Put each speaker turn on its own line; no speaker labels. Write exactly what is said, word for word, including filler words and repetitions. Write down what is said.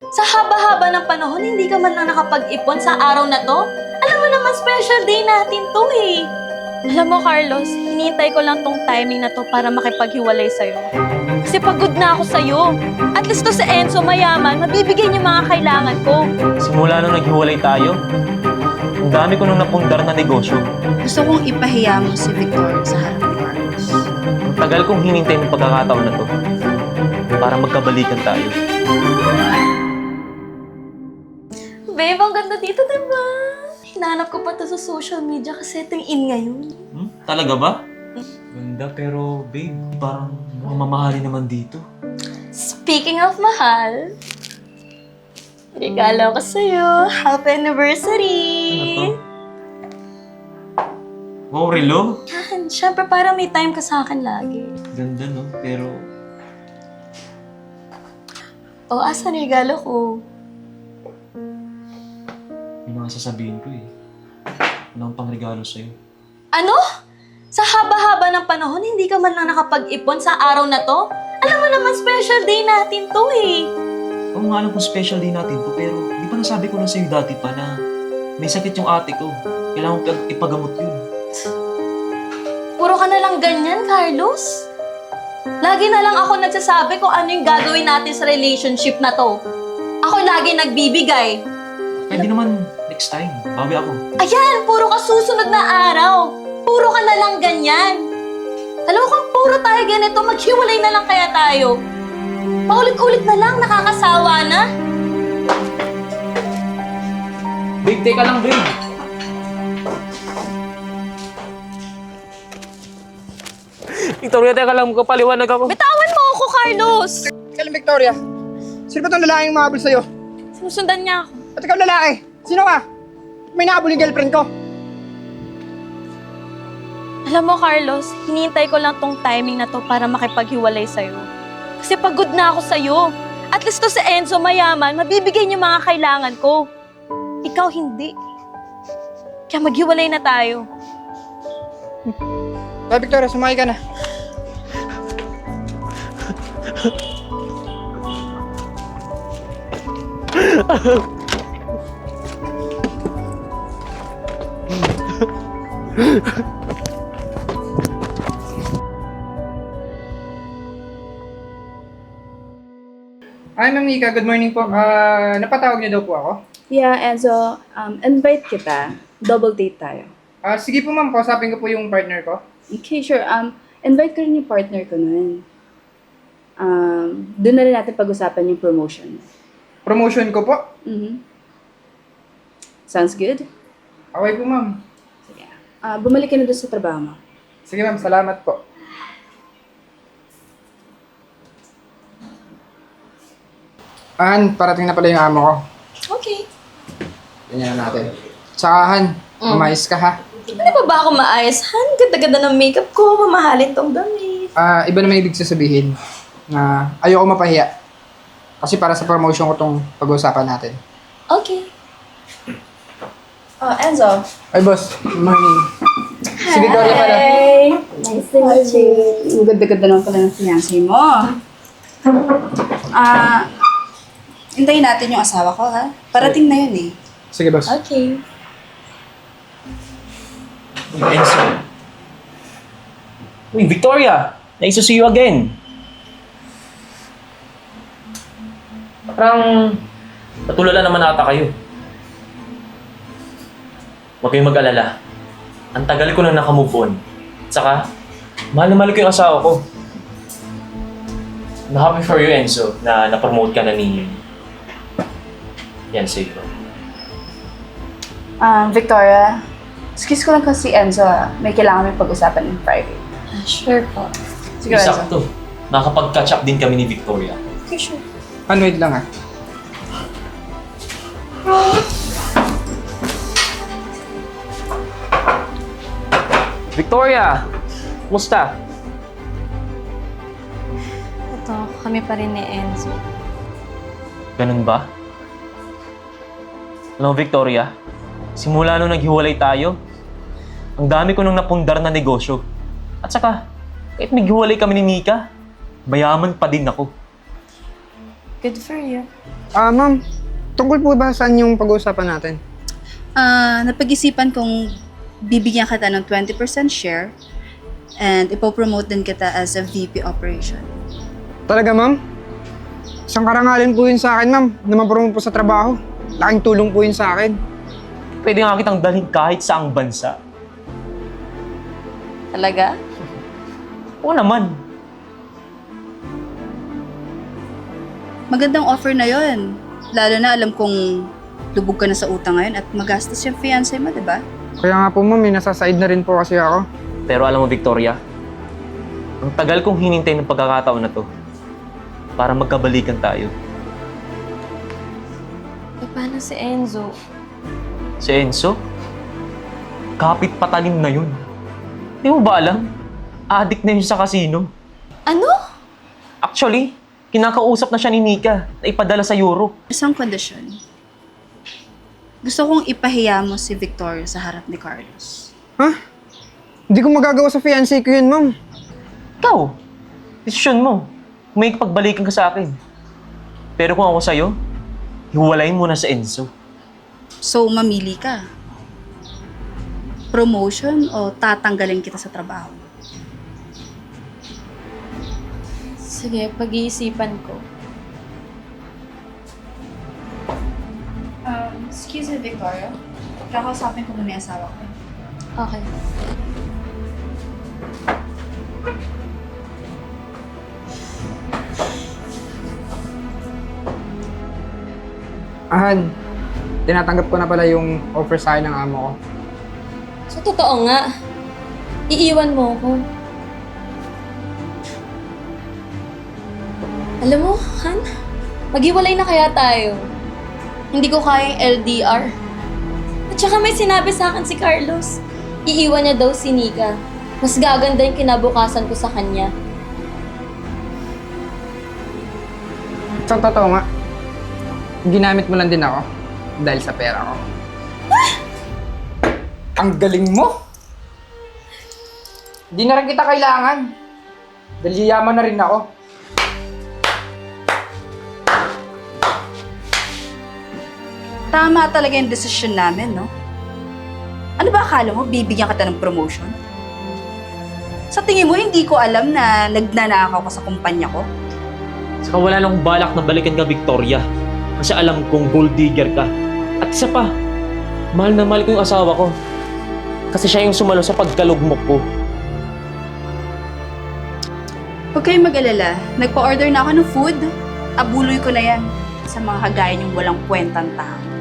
Sa haba-haba ng panahon, hindi ka man lang nakapag-ipon sa araw na to? Alam mo naman, special day natin to eh. Alam mo, Carlos, hinihintay ko lang tong timing na to para makipaghiwalay sa'yo. Kasi pagod na ako sa'yo. At least to sa Enzo, mayaman, mabibigay niya mga kailangan ko.
Simula nung naghiwalay tayo, ang dami ko nung napundar na negosyo.
Gusto kong ipahiya mo si Victor sa harap ni Carlos.
Ang tagal kong hinintay ng pagkakataon na to para magkabalikan tayo.
Babe, ang ganda dito, diba? Hinanap ko pa to sa social media kasi ito yung in ngayon.
Hmm? Talaga ba? Ganda pero babe, parang mamamahalin naman dito.
Speaking of mahal, regalo ko sa'yo. Happy anniversary!
Ano to? Wow, relo?
Yan, syempre parang may time ka sa akin lagi.
Ganda no, pero
O, asan regalo ko?
may mga sasabihin ko eh. Wala akong pangregalo sa'yo.
Ano? Sa haba-haba ng panahon, hindi ka man lang nakapag-ipon sa araw na to? Alam mo naman, special day natin to eh.
Oo nga alam kong special day natin to, pero di ba nasabi ko na sa'yo dati pa na may sakit yung ate ko. Kailangan ko ipagamot yun.
Puro ka na lang ganyan, Carlos. Lagi na lang ako nagsasabi kung ano yung gagawin natin sa relationship na to. Ako lagi nagbibigay.
Pwede naman next time, bawi ako.
Ayan, puro ka susunod na araw. Puro ka na lang ganyan. Alam mo kung puro tayo ganito, maghiwalay na lang kaya tayo. Paulit-ulit na lang, nakakasawa na.
Babe, teka lang, babe. Victoria, teka lang, magpapaliwanag ako.
Bitawan mo ako, Carlos!
Kaling Victoria, sino ba itong lalaking mahabol sa'yo?
Sinusundan niya ako.
At ikaw lalaki, sino ka? May nahabol yung girlfriend ko.
Alam mo, Carlos, hinihintay ko lang tong timing na to para makipaghiwalay sa'yo. Kasi pagod na ako sa'yo. At least to sa Enzo, mayaman, mabibigay niya mga kailangan ko. Ikaw hindi. Kaya maghiwalay na tayo.
Kaya Victoria, sumakay ka na. Hi, Ma'am Nika. Good morning po. Ah, napatawag niyo daw po ako.
Yeah, Enzo, um, invite kita. Double date tayo.
Ah, sige po, ma'am. Kausapin ko po yung partner ko.
Okay, sure. Um, invite ko rin yung partner ko nun. Um, doon na rin natin pag-usapan yung promotion.
Promotion ko po.
Mhm. Sounds good?
Okay po, ma'am.
Sige. Ah, bumalik ka na doon sa trabaho mo.
Sige, ma'am. Salamat po. Han, parating na pala yung amo ko.
Okay.
Ganyan na natin. Tsaka, Han,
Mm.
umayos ka ha.
Ano pa ba ako maayos? Han, ganda-ganda ng makeup ko. Mamahalin tong damit.
Ah, iba naman ibig sasabihin na ayoko mapahiya. Kasi para sa promotion ko tong pag-uusapan natin.
Okay.
Oh, Enzo.
Ay, boss. Good morning. Si Victoria pala.
Hey! Nice to meet you. Ang ganda-ganda naman pala ng fiancé mo. Ah, hintayin natin yung asawa ko, ha? Parating na yun, eh.
Sige, boss.
Okay.
Uy, Enzo. Uy, Victoria! Nice to see you again. Parang natulala naman ata kayo. Huwag kayong mag-alala. Ang tagal ko na nakamove on. At saka, mahal na mahal ko yung asawa ko. I'm happy for you, Enzo, na na-promote ka na ni Fiancé ko.
Ah, Victoria, excuse ko lang kasi Enzo, ah. May kailangan may pag-usapan in private.
Ah, sure po.
Sige, Enzo.
Sakto. Nakapag-catch up din kami ni Victoria.
Okay, sure.
Han, wait lang ha.
Victoria! Kumusta?
Ito, kami pa rin ni Enzo.
Ganun ba? Alam mo, Victoria, simula nung naghiwalay tayo, ang dami ko nung napundar na negosyo. At saka, kahit naghiwalay kami ni Nika, mayaman pa din ako.
Good for you.
Ah, ma'am, tungkol po ba saan yung pag-uusapan natin?
Ah, napag-isipan kong bibigyan kita ng twenty percent share and ipopromote din kita as a V P operation.
Talaga, ma'am? Isang karangalan po yun sa akin, ma'am, na mapromote po sa trabaho. Laking tulong po yun sa akin.
Pwede nga kitang dalhin kahit saang bansa.
Talaga?
Oo naman.
Magandang offer na yon. Lalo na alam kong lubog ka na sa utang ngayon at magastos yung fiancé mo, di ba?
Kaya nga po, ma'am, may nasa side na rin po kasi ako.
Pero alam mo, Victoria, ang tagal kong hinintay ng pagkakataon na to para magkabalikan tayo.
E paano si Enzo?
Si Enzo? Kapit patalim na yun. Di mo ba alam? Addict na yun sa casino.
Ano?
Actually, kinakausap na siya ni Nika na ipadala sa Europe.
Isang kondisyon. Gusto kong ipahiya mo si Victoria sa harap ni Carlos.
Ha? Hindi ko magagawa sa fiancé ko yun, ma'am.
Ikaw, desisyon mo. May pagbalikan ka sa akin. Pero kung ako sa'yo, hiwalayin mo na sa Enzo.
So, mamili ka. Promotion o tatanggalin kita sa trabaho?
Sige, pag-iisipan ko.
Um, excuse me, Victoria. Kakausapin ko muna yung asawa ko.
Okay.
Ahan, tinatanggap ko na pala yung offer sa akin ng amo ko.
So, totoo nga. Iiwan mo ako. Alam mo, Han, maghiwalay na kaya tayo. Hindi ko kaya yung L D R. At saka may sinabi sa akin si Carlos. Iiwan niya daw si Nika. Mas gaganda yung kinabukasan ko sa kanya.
Sa totoo nga, ginamit mo lang din ako dahil sa pera ko. Ang galing mo! Hindi na rin kita kailangan. Dahil yaman na rin ako.
Tama talaga yung desisyon namin, no? Ano ba akala mo, bibigyan kita ng promotion? Sa tingin mo, hindi ko alam na nagnanakaw ka sa kumpanya ko?
Saka wala nang balak na balikan ka, Victoria. Kasi alam kong gold digger ka. At isa pa, mahal na mahal ko yung asawa ko. Kasi siya yung sumalo sa pagkalugmok ko.
Huwag kayong mag-alala. Nagpa-order na ako ng food. Abuloy ko na yan sa mga kagaya niyong walang kwentang tao.